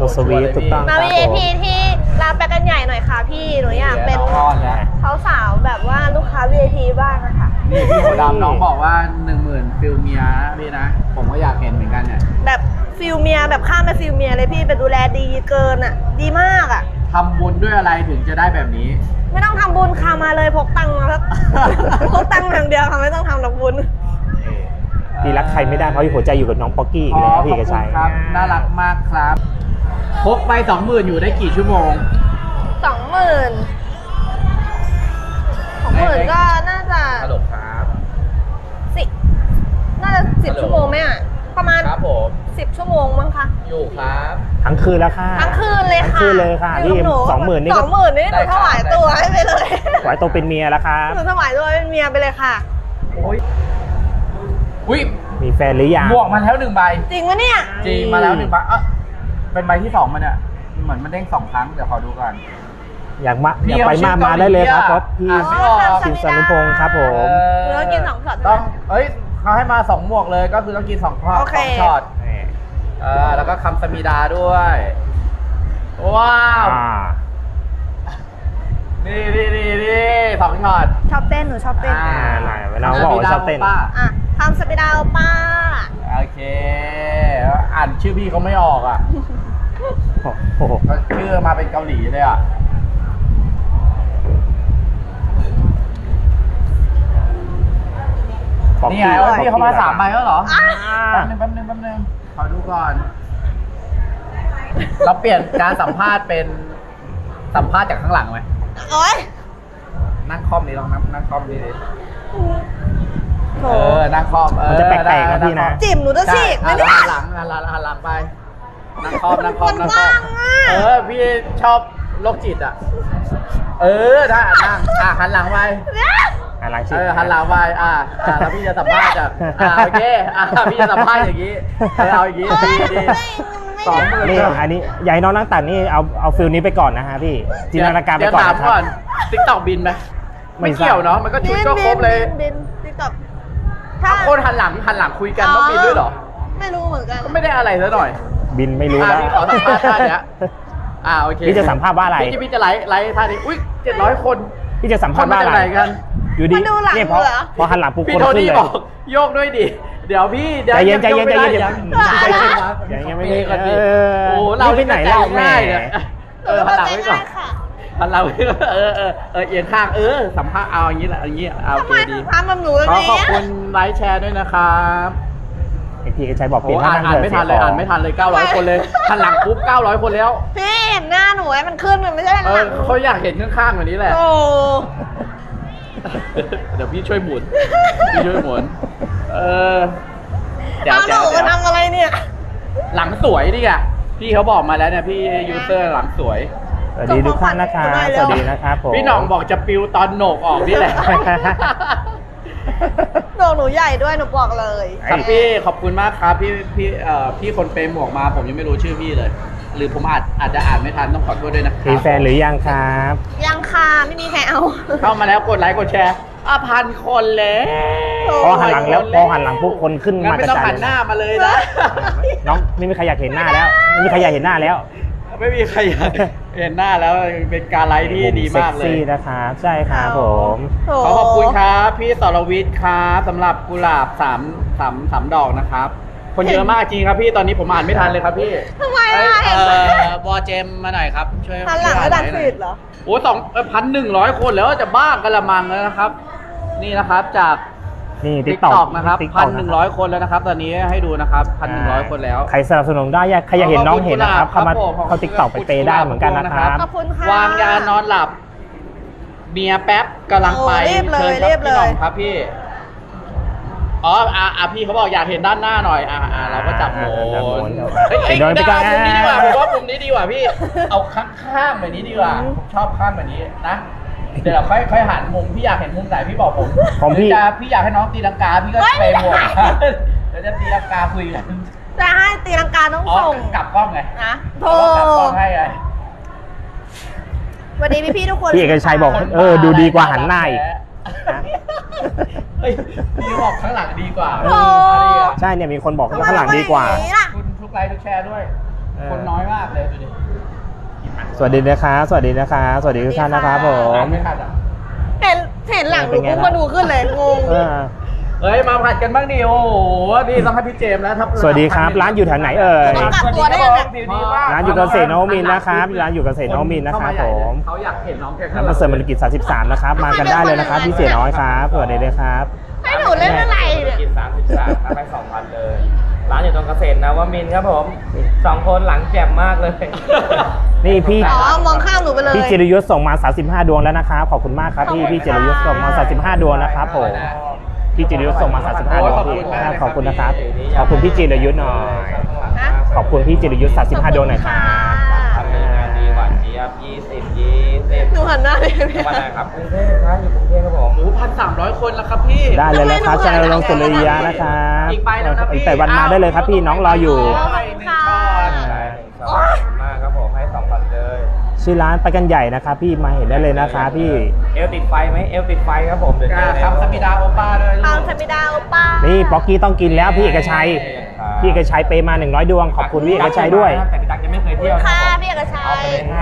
สวีทถูกต้องมา VIP ที่ร้านแปกันใหญ่หน่อยค่ะพี่หนูอยากเป็นสาวๆแบบว่าลูกค้า VIP บ้างอะค่ะนี่พี่หัวดำน้องบอกว่า 10,000ฟิลเมียนะพี่นะผมก็อยากเห็นเหมือนกันเนี่ยแบบฟิลเมียแบบข้ามไปฟิลเมียเลยพี่เป็นดูแลดีเกินอะดีมากอะทำบุญด้วยอะไรถึงจะได้แบบนี้ไม่ต้องทำบุญค่ะมาเลยพกตังค์มาครับ พกตังค์อย่างเดียวค่ะไม่ต้องทำหรอกบุญพี่รักใครไม่ได้เพราะหัวใจอยู่กับน้องป๊อกกี้อีกแล้วพี่เอกชัยครับน่ารักมากครับพกไป 20,000อยู่ได้กี่ชั่วโมง 20,000 20,000ก็น่าจะฮัลโหลครับน่าจะ10 ชั่วโมงไหมอะประมาณครับผม 10 ชั่วโมงมั้งคะอยู่ครับทั้งคืนแล้วค่ะทั้งคืนเลยค่ะทั้งคืนเลยค่ะอยู่พี่กับหนู 20,000นี่ก็ 20,000นี่หนูถวายตัวให้ไปเลยไหวตัวเป็นเมียแล้วครับหนูถวายตัวเป็นเมียไปเลยค่ะโอ้ยอุ้ยมีแฟนหรือยังบวกมาแล้ว1 ใบจริงปะเนี่ยจริงมาแล้ว1 ใบเป็นใบที่ 2มันเนี่ยเหมือนมันเด้ง2 ครั้งเดี๋ยวขอดูก่อนอยากมาพี่อยากไปเขาชื่อมาได้เลยครับเกาหลีเพราะพี่อ่ะไม่ออกชิมสนุพงศ์ครับผมหนูต้องกิน2 ช็อตต้องเขาให้มา2 หมวกเลยก็คือต้องกิน2 โอเคช็อตแล้วก็คำสมิดาด้วย ว้าว นี่2 ช็อตชอบเต้นหนูชอบเต้นไหนน้องบอกว่าชอบเต้นอ่ะทำสปิดาป้าโอเคอ่านชื่อพี่เขาไม่ออกอ่ะโอ้โหชื่อมาเป็นเกาหลีเลยอ่ะป๊อกนี่กี้ไงพี่เขามา3 ใบแล้วเหรออ่ะแป๊บนึงขอดูก่อน เราเปลี่ยนการสัมภาษณ์เป็นสัมภาษณ์จากข้างหลังไหมโอ๊ยนั่งคอมนี่ลองนั่งคอมนี่ดิโถนั่งคอมมันจะแปลกๆนะพี่นะจิ๋มหนูจะฉีกไหมเนี่ยหันหลังไป นั่งคอมมันว่างอะพี่ชอบโรคจิตอ่ะ ถ้านั่งหันหลังไปหันหลังชิหันหลังไปแล้วพี่จะสัมภาษณ์โอเคพี่จะสัมภาษณ์อย่างนี้เอาอย่างนี้ดี20,000 นี่อันนี้อยากให้น้องนั่งตัดนี่เอาฟิลนี้ไปก่อนนะฮะพี่จินตนาการไปก่อนเดี๋ยวถามนะคก่รัอบ นติ๊กต็อกบินไหมไม่ไม่เกี่ยวเนาะมันก็ชุดก็ครบเลยบินติ๊กต็อกคนหันหลังคุยกันต้องบินด้วยเหรอไม่รู้เหมือนกันก็ไม่ได้อะไรซะหน่อยบินไม่รู้แล้วพี่ขอสัมภาษณ์ท่าเนี้ยโอเคพี่จะสัมภาษณ์ว่าอะไรพี่จะไลฟ์ท่านี้อุ้ย700 คนพี่จะสัมคภาน ษณ์มาว่าจากอะไรไหนกันอยู่ดีมาดูหลังเนี่ยเหรอพอหันหลังปุ๊บพี่คนโทขึ้นนี่เลยบอกโยกด้วยดิเดี๋ยวพี่ใจเย็นใจเย็นใจเย็นใจเย็นยังไม่เปได้ย์ก่อนดิเออโอ้เราไปไหนแล้วแม่หันหลังไว้ก่อนค่ะหันหลังไว้ก่อนเอียงข้างสัมภาษณ์เอาอย่างนี้แหละอย่างนี้โอทำเคไมดีทำแบบหนูอย่างขอนี้ขอบคุณไลค์แชร์ด้วยนะครับพี่กระชัยบอกเปโอ้ลี่ยนอ่านไม่ทันเลย900 คนเลยหันหลังปุ๊บ900 คนแล้วพี่เห็นหน้าหนูให้มันขึ้นมันไม่ใช่หลังเขาอยากเห็นข้างๆแบบนี้แหละโอ้เดี๋ยวพี่ช่วยหมุนเดี๋ยวเอาหนูมาทำอะไรเนี่ยหลังสวยดิอ่ะพี่เขาบอกมาแล้วเนี่ยพี่ยูเซอร์หลังสวยสวัสดีทุกท่านนะครับสวัสดีนะครับผมพี่หน่องบอกจะปิวตอนโหนกออกนี่แหละโดนหนูใหญ่ด้วยหนูบอกเลยครับพี่ขอบคุณมากครับพี่คนเฟรมหมวกมาผมยังไม่รู้ชื่อพี่เลย หรือผมอาจจะอ่านไม่ทันต้องขอโทษด้วยนะครับมีแฟนหรือยังครับยังค่ะไม่มีใครเอาเข้ามาแล้วกดไลค์กดแชร์1,000 คนแล้วพอหันหลังแล้วพอหันหลังปุ๊บคนขึ้นงั้นมากไม่ระต้องจายหันหน้ามาเลยนะน้องไม่มีใครอยากเห็นหน้าแล้วไม่มีใครอยากเห็นหน้าแล้วไม่มีใครอยากเห็นหน้าแล้วเป็นการไลฟ์ที่ดีมากเลเซ็ยซี่นะครับใช่ครับผมโถขอบคุณครับพี่สรวิทย์ครับสำหรับกุหลาบ3 ดอกนะครับ คนเยอะมากจริงครับพี่ตอนนี้ผมอ่านไม่ทันเลยครับพี่ทำไมอ่ะเห็นไหมวอเจมมาหน่อยครับช่วยหันหลังแล้วดันฟีดเหรอโอ้1,100 คนแล้วจะบ้ากระมังแล้วนะครับ นี่นะครับจากนี่ติ๊ติ๊กกต็ต็ออก กนะครับ 1,100 คนแล้วนะครับ ตอนนี้ให้ดูนะครับ 1,100 คนแล้วใครสนับสนุนได้ใครอยากเห็นน้องเห็นนะครับเข้ามาเข้าติ๊กต็อกไปเปย์ได้เหมือนกันนะครับขอบคุณค่ะวางยานอนหลับเมียแป๊บกำลังไปโอ้รีบเลยเชิญรีบพี่หน่องเลยครับพี่พี่เขาบอกอยากเห็นด้านหน้าหน่อยเราก็จับโหมจับโหมนนเฮ้ยโดนไปก่อนมุมนี้ดีกว่าผมว่ามุมนี้ดีกว่าพี่ เอาข้างแบบนี้ดีกว่าผมชอบข้างแบบนี้นะเดี๋ยวเราค่อยหันมุมพี่อยากเห็นมุมไหนพี่บอกผมของพี่พี่อยากให้น้องตีลังกาพี่ก็เปย์หมดเดี๋ยวจะตีลังกาคุยกันจะให้ตีลังกาต้องส่งกลับกล้องไงนะโถกลับกล้องให้ไงวันนี้พี่ๆทุกคนพี่เอกชัยบอกดูดีกว่าหันหน้าอีกเฮ้ยพี่บอกข้างหลังดีกว่าโอ้ใช่เนี่ยมีคนบอกว่าข้างหลังดีกว่าทำไมเป็นอย่งนี้ล่ะคุณทุกไลค์ทุกแชร์ด้วย คนน้อยมากเลยดูดิสวัสดีนะครับสวัสดีนะครับสวัสดีทุกท่านนะครับผมไม่ทันอ่ะเห็นหลังหนูปุ๊บมาดูขึ้นเลยงงเออเฮ้ยมาผัดกันบ้างดิโอ้โหนี่ต้องให้พี่เจมส์แล้วครับสวัสดีครับร้านอยู่แถวไหนเอ่ยต้องกลับตัวได้ยังไงร้านอยู่เกษตรนวมินทร์นะครับร้านอยู่เกษตรนวมินทร์นะครับผมเขาอยากเห็นน้องแกร้านประเสริฐมรกิจ33นะครับมากันได้เลยนะครับพี่เสียน้อยครับสวัสดีเลยครับให้หนูเล่นอะไรเนี่ยกิน33ทำไป2,000เลย ร้านอยู่ตรงเกษตรนวมินทร์ครับผม2คนหลังแจ่มมากเลยนี่พี่อ๋อมองข้ามหนูไปเลยพี่จิรยุทธส่งมา35ดวงแล้วนะครับขอบคุณมากครับพี่จิรยุทธส่งมา35ดวงนะครับผมพี่จิรยุทธส่งมา35ดวงพี่ขอบคุณนะครับขอบคุณพี่จิรยุทธหน่อยนะขอบคุณพี่จิรยุทธ35ดวงหน่อยครับทำงานดีกว่าเจี๊ยบ20 หนูหันหน้าเลยวันไหนครับกรุงเทพครับอยู่กรุงเทพครับผมโอ้โห1,300 คนแล้วครับพี่ได้เลยนะครับชาแนลลงสุริยะนะครับอีกใบแล้วนะพี่อีกแต่วันมาได้เลยครับพี่น้องรออยู่ขอบคุณค่ะได้1 2ขอบคุณมากครับผมให้2,000เลยชื่อร้านไปกันใหญ่นะครับพี่มาเห็นได้เลยนะครับพี่เอลติดไฟไหมเอลติดไฟครับผมเดี๋ยวเจอครับสมิดาโอป้าด้วยลูตามกธรรมดาโอป้านี่ป๊อกกี้ต้องกินแล้วพี่เอกชัยพี่เอกชัยเปย์มา100ดวงขอบคุณพี่เอกชัยด้วยแต่พี่ตั๊กยังไม่เคยเที่ยวนะค่ะผมพี่เอกชัเอาไปยเลย